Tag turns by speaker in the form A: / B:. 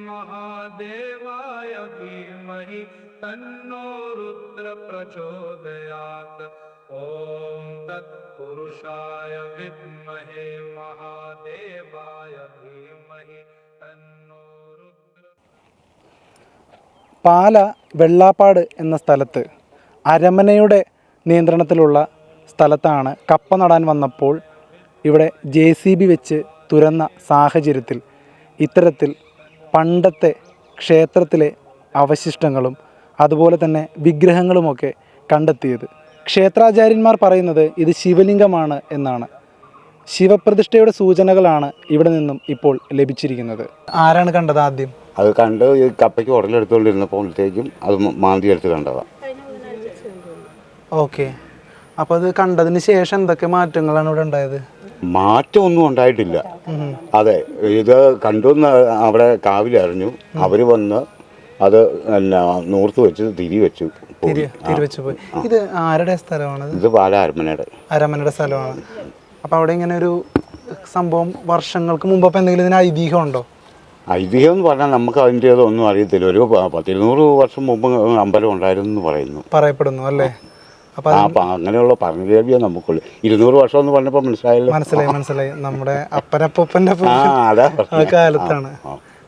A: महादेवाय धीमहि तन्नो रुद्र प्रचोदयात्। ओम तत्पुरुषाय विद्महे महादेवाय धीमहि तन्नो रुद्र।
B: പാല വെള്ളാപ്പാട് എന്ന സ്ഥലത്ത് അരമനയുടെ നിയന്ത്രണത്തിലുള്ള സ്ഥലത്താണ് കപ്പ നടാൻ വന്നപ്പോൾ ഇവിടെ JCB വെച്ച് തുരന്ന സാഹചര്യത്തിൽ ഇത്തരത്തിൽ പണ്ടത്തെ ക്ഷേത്രത്തിലെ അവശിഷ്ടങ്ങളും അതുപോലെ തന്നെ വിഗ്രഹങ്ങളുമൊക്കെ കണ്ടെത്തിയത്. ക്ഷേത്രാചാര്യന്മാർ പറയുന്നത് ഇത് ശിവലിംഗമാണ് എന്നാണ്. ശിവപ്രതിഷ്ഠയുടെ സൂചനകളാണ് ഇവിടെ നിന്നും ഇപ്പോൾ ലഭിച്ചിരിക്കുന്നത്. ആരാണ് കണ്ടത് ആദ്യം?
C: അത് കണ്ട് ഈ കപ്പയ്ക്ക് ഉടലെടുത്തുകൊണ്ടിരുന്നപ്പോഴത്തേക്കും അത് മാന്തി എടുത്ത് കണ്ടതാണ്.
B: ഓക്കെ, അപ്പോൾ അത് കണ്ടതിന് ശേഷം എന്തൊക്കെ മാറ്റങ്ങളാണ് ഇവിടെ ഉണ്ടായത്?
C: മാറ്റമൊന്നും ഉണ്ടായിട്ടില്ല. അതെ, ഇത് കണ്ടുവന്ന് അവിടെ കാവിലറിഞ്ഞു. അവർ വന്ന് അത് നൂർത്ത് വെച്ച് തിരിവെച്ചു പോയി.
B: ഇത് ആരുടെ സ്ഥലമാണ്?
C: ഇത് പാല
B: അരമനയുടെ സ്ഥലമാണ്. അപ്പോൾ അവിടെ ഇങ്ങനെ ഒരു സംഭവം വർഷങ്ങൾക്ക് മുമ്പ് എന്തെങ്കിലും ഇതിന് ഐതിഹ്യം ഉണ്ടോ?
C: ഐതിഹ്യം എന്ന് പറഞ്ഞാൽ നമുക്ക് അതിൻ്റേതൊന്നും അറിയത്തില്ല. ഒരു 100-200 വർഷം മുമ്പ് അമ്പലം ഉണ്ടായിരുന്നു എന്ന്
B: പറയപ്പെടുന്നു അല്ലേ?
C: അപ്പം അങ്ങനെയുള്ള പറഞ്ഞു കേൾവിയേ നമുക്കുള്ളൂ. 200 വർഷം എന്ന് പറഞ്ഞപ്പോൾ മനസ്സിലായി.
B: നമ്മുടെ അപ്പനപ്പൂപ്പൻ്റെ കാലത്താണ്.